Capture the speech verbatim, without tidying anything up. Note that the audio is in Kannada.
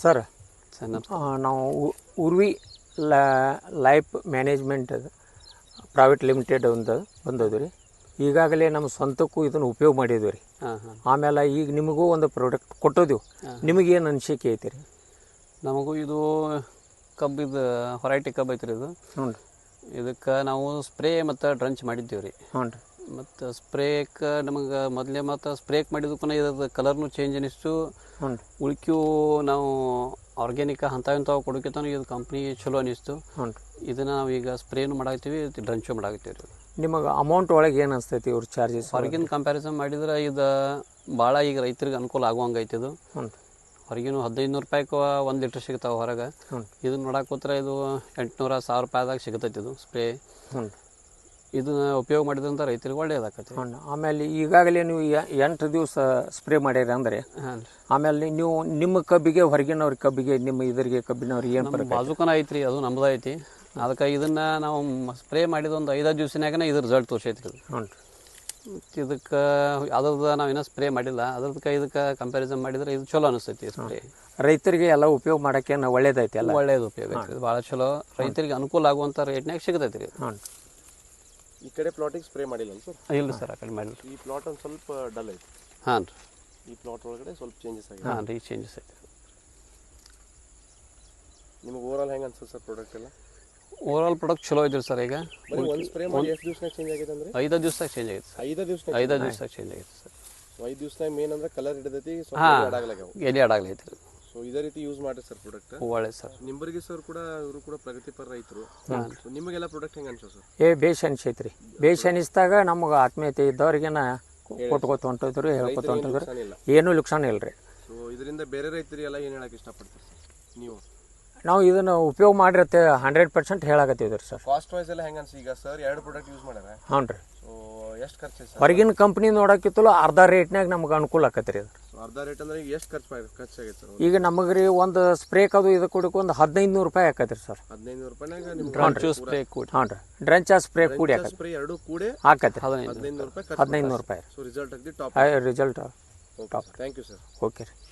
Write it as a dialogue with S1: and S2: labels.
S1: ಸರ್
S2: ಸರ್ ನಮಸ್ಕಾರ.
S1: ನಾವು ಉ- Urvi life management private limited ಒಂದು ಬಂದದ್ದು ರೀ. ಈಗಾಗಲೇ ನಮ್ಮ ಸ್ವಂತಕ್ಕೂ ಇದನ್ನು ಉಪಯೋಗ ಮಾಡಿದ್ವಿ ರೀ.
S2: ಹಾಂ ಹಾಂ
S1: ಆಮೇಲೆ ಈಗ ನಿಮಗೂ ಒಂದು ಪ್ರಾಡಕ್ಟ್ ಕೊಟ್ಟೋದಿವು. ನಿಮಗೇನು ಅನಿಸಿಕೆ ಐತಿ ರೀ?
S2: ನಮಗೂ ಇದು ಕಬ್ಬಿದು ಹೊರೈಟಿ ಕಬ್ಬು ಐತ್ರಿ ಇದು.
S1: ಹ್ಞೂ ರೀ.
S2: ಇದಕ್ಕೆ ನಾವು ಸ್ಪ್ರೇ ಮತ್ತು ಡ್ರಂಚ್ ಮಾಡಿದ್ದೀವಿ ರೀ.
S1: ಹ್ಞೂ ರೀ.
S2: ಮತ್ತು ಸ್ಪ್ರೇಕ್ಕೆ ನಮಗೆ ಮೊದಲೇ ಮತ್ತು ಸ್ಪ್ರೇಕ್ ಮಾಡಿದಕ್ಕೂ ಇದ್ರದ್ದು ಕಲರ್ನು ಚೇಂಜ್ ಅನಿಸ್ತು.
S1: ಹ್ಞೂ ರೀ.
S2: ಉಳ್ಕ್ಯೂ ನಾವು ಆರ್ಗ್ಯಾನಿಕ ಅಂಥವು ಇಂಥವು ಕೊಡೋಕ್ಕಿಂತ ಇದು ಕಂಪ್ನಿ ಚಲೋ ಅನಿಸ್ತು.
S1: ಹ್ಞೂ ರೀ.
S2: ಇದನ್ನು ನಾವು ಈಗ ಸ್ಪ್ರೇನು ಮಾಡಾಕ್ತೀವಿ, ಡ್ರಂಚು ಮಾಡಾಕ್ತೀವಿ ರೀ.
S1: ನಿಮಗೆ ಅಮೌಂಟ್ ಒಳಗೆ ಏನು ಅನಿಸ್ತೈತಿ ಇವ್ರ ಚಾರ್ಜಸ್?
S2: ಹೊರಗಿನ ಕಂಪ್ಯಾರಿಸನ್ ಮಾಡಿದ್ರೆ ಇದು ಭಾಳ ಈಗ ರೈತರಿಗೆ ಅನುಕೂಲ ಆಗುವಂಗೆ ಐತಿ ಇದು.
S1: ಹ್ಞೂ.
S2: ಹೊರಗಿನ ಹದಿನೈದು ನೂರು ರೂಪಾಯಿಗೆ ಒಂದು ಲೀಟ್ರ್ ಸಿಗ್ತಾವೆ ಹೊರಗೆ.
S1: ಹ್ಞೂ.
S2: ಇದನ್ನ ನೋಡಕ್ಕೆ ಹೋದ್ರೆ ಇದು ಎಂಟುನೂರ ಸಾವಿರ ರೂಪಾಯಿದಾಗ ಸಿಗ್ತೈತಿ ಇದು ಸ್ಪ್ರೇ.
S1: ಹ್ಞೂ.
S2: ಇದನ್ನ ಉಪಯೋಗ ಮಾಡಿದಂಥ ರೈತರಿಗೆ ಒಳ್ಳೇದಾಕತಿ.
S1: ಹ್ಞೂ. ಆಮೇಲೆ ಈಗಾಗಲೇ ನೀವು ಎ- ಎಂಟು ದಿವಸ ಸ್ಪ್ರೇ ಮಾಡ್ಯಾರ ಅಂದರೆ
S2: ಹಾಂ ರೀ.
S1: ಆಮೇಲೆ ನೀವು ನಿಮ್ಮ ಕಬ್ಬಿಗೆ ಹೊರಗಿನವ್ರ ಕಬ್ಬಿಗೆ ನಿಮ್ಮ ಇದರಿಗೆ ಕಬ್ಬಿನವ್ರಿಗೆ ಏನು
S2: ನಮ್ಮ
S1: ಫರಕ?
S2: ಬಾಜುಕನ ಐತ್ರಿ, ಅದು ನಮ್ದು ಐತಿ. ಅದಕ್ಕೆ ಇದನ್ನ ನಾವು ಸ್ಪ್ರೇ ಮಾಡಿದ ಒಂದು ಐದಾರು ದಿವ್ಸನಾಗನೇ ಇದ್ರ ರಿಸಲ್ಟ್ ತೋರ್ಸೈತ್ರಿ ಇದು.
S1: ಹ್ಞೂ.
S2: ಇದಕ್ಕೆ ಅದ್ರದ್ದು ನಾವು ಇನ್ನೂ ಸ್ಪ್ರೇ ಮಾಡಿಲ್ಲ. ಅದ್ರದಕ್ಕೆ ಇದಕ್ಕೆ ಕಂಪ್ಯಾರಿಸನ್ ಮಾಡಿದ್ರೆ ಇದು ಚಲೋ ಅನಿಸ್ತೈತಿ ಸ್ಪ್ರೇ.
S1: ರೈತರಿಗೆ ಎಲ್ಲ ಉಪಯೋಗ ಮಾಡೋಕ್ಕೆ ಒಳ್ಳೇದೈತಿ ಅಲ್ಲ?
S2: ಒಳ್ಳೇದು ಉಪಯೋಗ ಐತಿ. ಇದು ಭಾಳ ಚಲೋ, ರೈತರಿಗೆ ಅನುಕೂಲ ಆಗುವಂಥ ರೇಟ್ನಾಗ ಸಿಗ್ತೈತಿ ರೀ.
S1: ಹ್ಞೂ.
S3: ಈ ಕಡೆ ಪ್ಲಾಟಿಗೆ ಸ್ಪ್ರೇ ಮಾಡಿಲ್ಲ ಸರ್?
S2: ಇಲ್ಲ ಸರ್, ಆ ಕಡೆ ಮಾಡಿಲ್ಲ.
S3: ಈ ಪ್ಲಾಟ್ ಒಂದು ಸ್ವಲ್ಪ ಡಲ್ ಐತಿ.
S2: ಹಾಂ ರೀ.
S3: ಈ ಪ್ಲಾಟ್ ಒಳಗಡೆ ಸ್ವಲ್ಪ ಚೇಂಜಸ್ ಆಗಿದೆ.
S2: ಹಾಂ ರೀ, ಚೇಂಜಸ್ ಐತಿ.
S3: ನಿಮಗೆ ಓವರ್ ಆಲ್ ಹೆಂಗೆ ಅನ್ಸುತ್ತೆ ಸರ್ ಪ್ರಾಡಕ್ಟ್ ಎಲ್ಲ?
S2: ಓವರ್ ಆಲ್ ಪ್ರಾಡಕ್ಟ್ ಚಲೋ ಐತ್ರಿ ಸರ್. ಈಗ
S3: ಬರೀ ಒಂದು ಸ್ಪ್ರೇ ಮಾಡಿ ಎಷ್ಟು ದಿವಸನಾಗ ಚೇಂಜ್ ಆಗೈತೆ ಅಂದ್ರೆ?
S2: ಐದು ದಿವ್ಸದಾಗ ಚೇಂಜ್ ಆಗೈತೆ ಸರ್.
S3: ಐದು ದಿವಸ
S2: ಐದು ದಿವ್ಸದಾಗ ಚೇಂಜ್ ಆಗೈತೆ ಸರ್.
S3: ಐದು ದಿವಸನಾಗ ಮೇನ್ ಅಂದ್ರೆ ಕಲರ್ ಹಿಡಿದೈತಿ, ಸ್ವಲ್ಪ
S2: ಹಾಂ,
S3: ಅಡಾಗ್ಲಾಗ್ಯಾವ.
S2: ಎಲ್ಲಿ ಅಡಾಗ್ಲೈತಿ ರೀ.
S3: ಸೊ ಇದೇ ರೀತಿ ಯೂಸ್ ಮಾಡಿ ಸರ್ ಪ್ರಾಡಕ್ಟ್.
S2: ಒಳ್ಳೆ ಸರ್.
S3: ನಿಂಬರ್ಗಿ ಸರ್ ಕೂಡ ಇವರು ಕೂಡ ಪ್ರಗತಿಪರ ರೈತರು. ಸೊ ನಿಮಗೆಲ್ಲ ಪ್ರಾಡಕ್ಟ್ ಹೆಂಗೆ ಅನ್ಸೋ ಸರ್?
S1: ಏ ಬೇಷ್ ಅನಿಸೈತಿ ರೀ. ಬೇಷ್ ಅನಿಸಿದಾಗ ನಮಗೆ ಆತ್ಮೀಯತೆ ಇದ್ದವ್ರಿಗೇನ ಕೊಟ್ಕೋತ ಹೊಂಟಿದ್ರು, ಹೇಳ್ಕೊತ ಹೊಂಟಿದ್ರು.
S3: ಇಲ್ಲ.
S1: ಏನೂ ಲುಕ್ಸಾನ ಇಲ್ಲ ರೀ.
S3: ಸೊ ಇದರಿಂದ ಬೇರೆ ರೈತರಿಗೆಲ್ಲ ಏನು ಹೇಳಕ್ಕೆ ಇಷ್ಟಪಡ್ತೀರಿ ಸರ್ ನೀವು?
S1: ನಾವು ಇದನ್ನು ಉಪಯೋಗ ಮಾಡಿರತ್ತೆ ಹಂಡ್ರೆಡ್ ಪರ್ಸೆಂಟ್ ಹೇಳಾಕತ್ತಿದ್ರಿ ಸರ್.
S3: ಕಾಸ್ಟ್ ವೈಸ್ ಎಲ್ಲ ಹೆಂಗೆ ಅನ್ಸಿ? ಈಗ ಸರ್ ಎರಡು ಪ್ರಾಡಕ್ಟ್ ಯೂಸ್ ಮಾಡ್ಯಾರ.
S1: ಹ್ಞೂ ರೀ.
S3: ಸೊ ಎಷ್ಟು ಖರ್ಚು ಸರ್?
S1: ಹೊರಗಿನ ಕಂಪ್ನಿ ನೋಡೋಕ್ಕಿತ್ತಲ್ಲ ಅರ್ಧ ರೇಟ್ನಾಗ ನಮ್ಗೆ ಅನುಕೂಲ ಆಕತ್ರಿ ಅದು.
S3: ಅರ್ಧ ರೇಟ್ ಅಂದ್ರೆ ಈಗ ಎಷ್ಟು ಖರ್ಚು ಖರ್ಚಾಗೈತೆ ಸರ್?
S1: ಈಗ ನಮಗೆ ರೀ ಒಂದು ಸ್ಪ್ರೇಕ್ ಅದು ಇದು ಕೊಡಕ್ಕೆ ಒಂದು ಹದಿನೈದು ನೂರು ರೂಪಾಯಿ ಆಕತ್ರಿ ಸರ್.
S3: ಹದಿನೈದು ನೂರು ರೂಪಾಯಿನಾಗ ನಿಮ್ಗೆ
S2: ಡ್ರಂಚು ಸ್ಪ್ರೇ ಕೂಡಿ
S1: ಹ್ಞೂ ರೀ. ಡ್ರಂಚ್ ಸ್ಪ್ರೇ ಕೂಡಿ ಆಕತ್ರಿ
S3: ಸ್ಪ್ರೇ ಎರಡು ಕೂಡೆ
S1: ಆಕತ್ರಿ
S2: ಹದಿನೈದು
S3: ಹದಿನೈದು ನೂರು ರೂಪಾಯಿ ಖರ್ಚು.
S1: ಹದಿನೈದು ನೂರು ರೂಪಾಯಿ
S3: ಸೊ ರಿಸಲ್ಟ್ ಅಗದಿ top.
S1: Result
S3: thank you sir.
S1: Okay ರೀ.